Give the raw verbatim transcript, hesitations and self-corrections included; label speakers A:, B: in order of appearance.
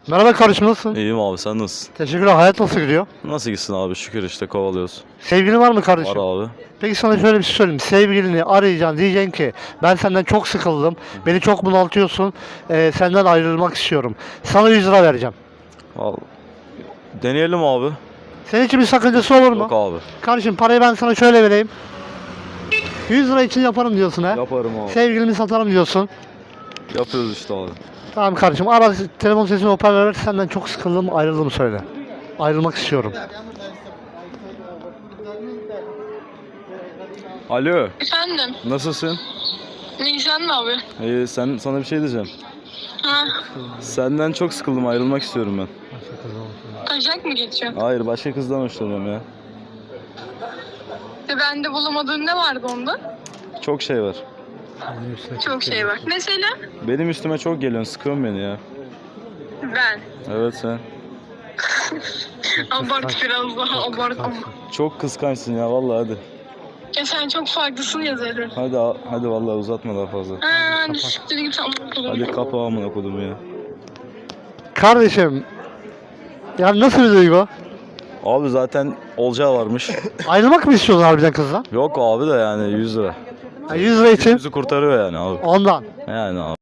A: Merhaba kardeşim, nasılsın?
B: İyiyim abi, sen nasılsın?
A: Teşekkürler. Hayat nasıl gidiyor?
B: Nasıl gitsin abi, şükür işte kovalıyoruz.
A: Sevgilin var mı kardeşim?
B: Var abi.
A: Peki sana şöyle bir şey söyleyeyim. Sevgilini arayacaksın, diyeceksin ki ben senden çok sıkıldım. Beni çok bunaltıyorsun. Ee, senden ayrılmak istiyorum. Sana yüz lira vereceğim.
B: Vallahi. Deneyelim abi.
A: Senin için bir sakıncası olur mu?
B: Yok abi.
A: Kardeşim parayı ben sana şöyle vereyim. yüz lira için yaparım diyorsun ha.
B: Yaparım abi.
A: Sevgilimi satarım diyorsun.
B: Yapıyoruz işte abi.
A: Tamam kardeşim, ara telefon sesini hoparlöre ver. Senden çok sıkıldım, ayrıldım söyle. Ayrılmak istiyorum.
B: Alo,
C: Efendim,
B: nasılsın?
C: Nisan mı abi?
B: İyi, sen sana bir şey diyeceğim.
C: Ha,
B: Senden çok sıkıldım, ayrılmak istiyorum ben.
C: taşak mı geçiyor?
B: Hayır, başka kızdan hoşlanıyorum ya.
C: Ve bende bulamadığın ne vardı onda?
B: Çok şey var.
C: Çok şey var. Mesela
B: Benim üstüme çok geliyorsun, sıkıyorsun beni ya.
C: ben.
B: Evet sen.
C: Abart biraz daha abart ama.
B: Çok kıskançsın ya vallahi hadi.
C: Ya sen çok farklısın ya zaten.
B: Hadi hadi vallahi uzatma daha fazla.
C: Ha, hadi siktir git amına
B: Hadi kapa amına kodum ya.
A: Kardeşim, ya nasıl bir duygu?
B: Abi zaten olacağı varmış.
A: Ayrılmak mı istiyorsun harbiden kızla?
B: Yok abi de yani yüz lira.
A: Ha, yüz lira için
B: Bizi kurtarıyor yani abi.
A: ondan.
B: Yani abi.